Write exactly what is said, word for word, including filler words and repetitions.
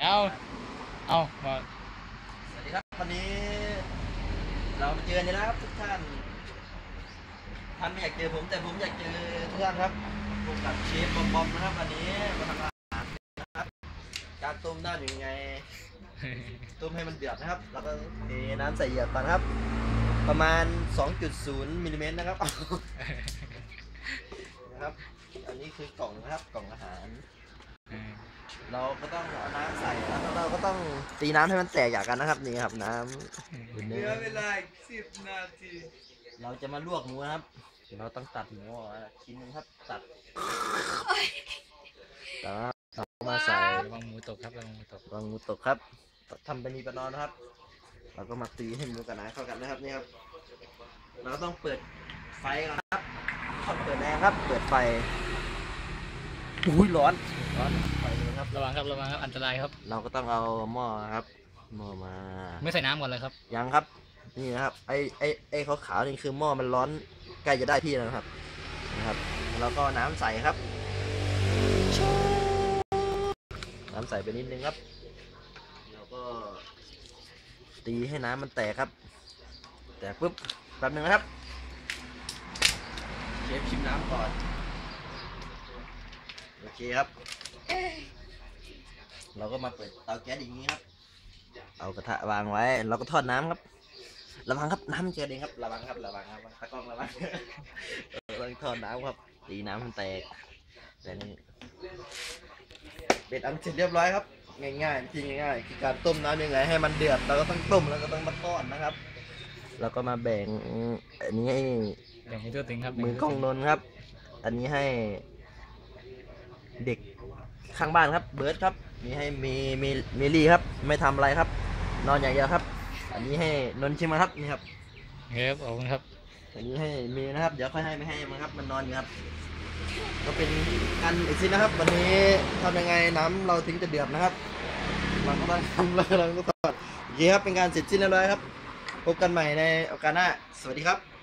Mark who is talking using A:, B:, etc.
A: เอาเอามา
B: สวัสดีครับวันนี้เรามาเจอกันแล้วครับทุกท่านท่านไม่อยากเจอผมแต่ผมอยากเจอทุกท่านครับพบกับเชฟบอมบอมนะครับวันนี้มาทำอาหารนะครับการต้มน้ำยังไงต้มให้มันเดือดนะครับแล้วก็เทน้ำใส่เหยือกก่อนครับประมาณ สองจุดศูนย์ มิลลิเมตรนะครับนะครับอันนี้คือกล่องนะครับกล่องอาหารเราก็ต้องเอาน้ำใส่แล้วเราก็ต้องตีน้ำให้มันแตกอย่างกันนะครับนี่ครับน้ำเหลือเวลาสิบนาทีเราจะมาลวกหมูนะครับเราต้องตัดหมูชิ้นนึงครับตัดตัดมาใส่
A: ระวังหมูตกครับระวังหมูตก
B: ระวังหมูตกครับทำเป็นนีประนอนนะครับเราก็มาตีให้หมูกับน้ำเข้ากันนะครับนี่ครับเราก็ต้องเปิดไฟก่อนครับต้องเปิดแรงครับเปิดไฟอุ้ยร้อนร้อนไฟเลยครับ
A: ระวังครับระวังครับอันตรายครับ
B: เราก็ต้องเอาหม้อครับหม้อมา
A: ไม่ใส่น้ำก่อนเลยครับ
B: ยังครับนี่นะครับไอไอไอขาวขาวนี่คือหม้อมันร้อนใกล้จะได้ที่แล้วครับนะครับแล้วก็น้ำใส่ครับน้ำใส่ไปนิดนึงครับแล้วก็ตีให้น้ำมันแตกครับแตกปุ๊บแป๊บนึงนะครับเชฟชิมน้ำก่อนโอเคครับเราก็มาเปิดเตาแก๊สอย่างนี้ครับเอากระทะวางไว้เราก็ทอดน้ำครับระวังครับน้ำเจอเองครับระวังครับระวังครับตะกล้องระวังเราทอดน้ำครับตีน้ำมันแตกแต่นี่เบ็ดอันเสร็จเรียบร้อยครับง่ายๆจริงง่ายๆคือการต้มน้ำยังไงให้มันเดือดเราก็ต้องต้มแล้วก็ต้องมาทอดนะครับแล้วก็มาแบ่งอันนี้ให้
A: แบ่งให้ตัวถึงครับ
B: มือกล้องนนครับอันนี้ให้เด็กข้างบ้านครับเบิร์ดครับมีให้มีมีเมลี่ครับไม่ทำอะไรครับนอนอย่างเดียวครับอันนี้ให้นนชิมครับนี่ครับ
A: ครับขอบคุณครับ
B: อันนี้ให้มีนะครับเดี๋ยวค่อยให้ไม่ให้มันครับมันนอนอยู่ครับก็เป็นการอีกสินะครับวันนี้ทำยังไงน้ำเราถึงจะเดือดนะครับเราก็ต้องทำเราก็ต้องโอเคครับเป็นการเสร็จสิ้นแล้วครับพบกันใหม่ในโอกาสหน้าสวัสดีครับ